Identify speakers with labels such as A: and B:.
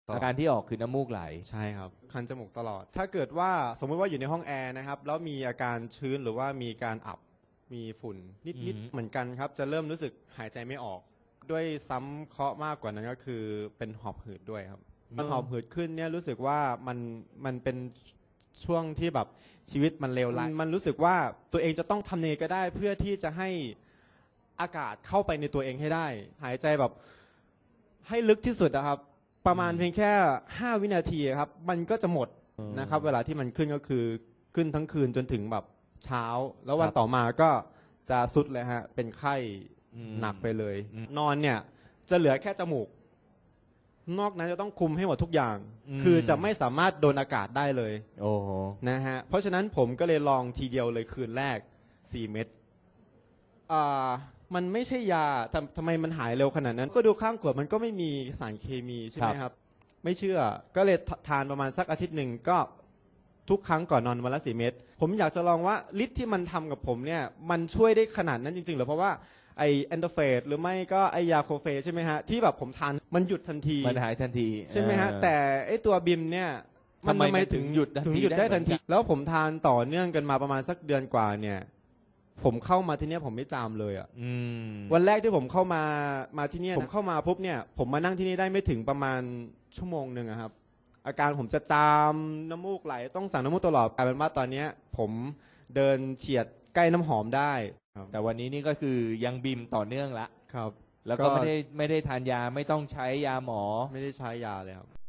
A: อาการที่ออกคือน้ำมูกไหล
B: ใช่ครับคันจมูกตลอดถ้าเกิดว่าสมมติว่าอยู่ในห้องแอร์นะครับแล้วมีอาการชื้นหรือว่ามีการอับมีฝุ่นนิดๆเหมือนกันครับจะเริ่มรู้สึกหายใจไม่ออกด้วยซ้ำเคราะห์มากกว่านั้นก็คือเป็นหอบหืดด้วยครับมันหอบหืดขึ้นเนี่ยรู้สึกว่ามันเป็นช่วงที่แบบชีวิตมันเลวร้ายมันรู้สึกว่าตัวเองจะต้องทำเนก็ได้เพื่อที่จะให้อากาศเข้าไปในตัวเองให้ได้หายใจแบบให้ลึกที่สุดนะครับประมาณเพียงแค่5 วินาทีครับมันก็จะหมดนะครับเวลาที่มันขึ้นก็คือขึ้นทั้งคืนจนถึงแบบเช้าแล้ววันต่อมาก็จะสุดเลยฮะเป็นไข้หนักไปเลยนอนเนี่ยจะเหลือแค่จมูกนอกนั้นจะต้องคุมให้หมดทุกอย่างคือจะไม่สามารถโดนอากาศได้เลย
A: โอ้โห
B: นะฮะเพราะฉะนั้นผมก็เลยลองทีเดียวเลยคืนแรก4 เม็ดมันไม่ใช่ยาทำไมมันหายเร็วขนาดนั้นก็ดูข้างขวดมันก็ไม่มีสารเคมีใช่ไหมครับไม่เชื่อก็เลยทานประมาณสักอาทิตย์หนึ่งก็ทุกครั้งก่อนนอนวันละ4 เม็ดผมอยากจะลองว่าฤทธิ์ที่มันทำกับผมเนี่ยมันช่วยได้ขนาดนั้นจริงๆหรือเพราะว่าไอแอนโดเฟสหรือไม่ก็ไอยาโคเฟใช่ไหมฮะที่แบบผมทานมันหยุดทันที
A: มันหายทันที
B: ใช่ไหมฮะแต่ไอตัวบิมเนี่ย
A: ทำไมถึงหยุด
B: ได้ทันทีแล้วผมทานต่อเนื่องกันมาประมาณสักเดือนกว่าเนี่ยผมเข้ามาที่นี่ผมไม่จามเลยอ่ะวันแรกที่ผมเข้ามาที่นี่ผมเข้ามาปุ๊บเนี่ยผมมานั่งที่นี่ได้ไม่ถึงประมาณชั่วโมงหนึ่งครับอาการผมจะจามน้ำมูกไหลต้องสั่งน้ำมูกตลอดกลายเป็นว่าตอนนี้ผมเดินเฉียดใกล้น้ำหอมได้
A: แต่วันนี้นี่ก็คือยังบิมต่อเนื่องละ
B: ครับ
A: แล้วก็ไม่ได้ทานยาไม่ต้องใช้ยาหมอ
B: ไม่ได้ใช้ยาเลยครับ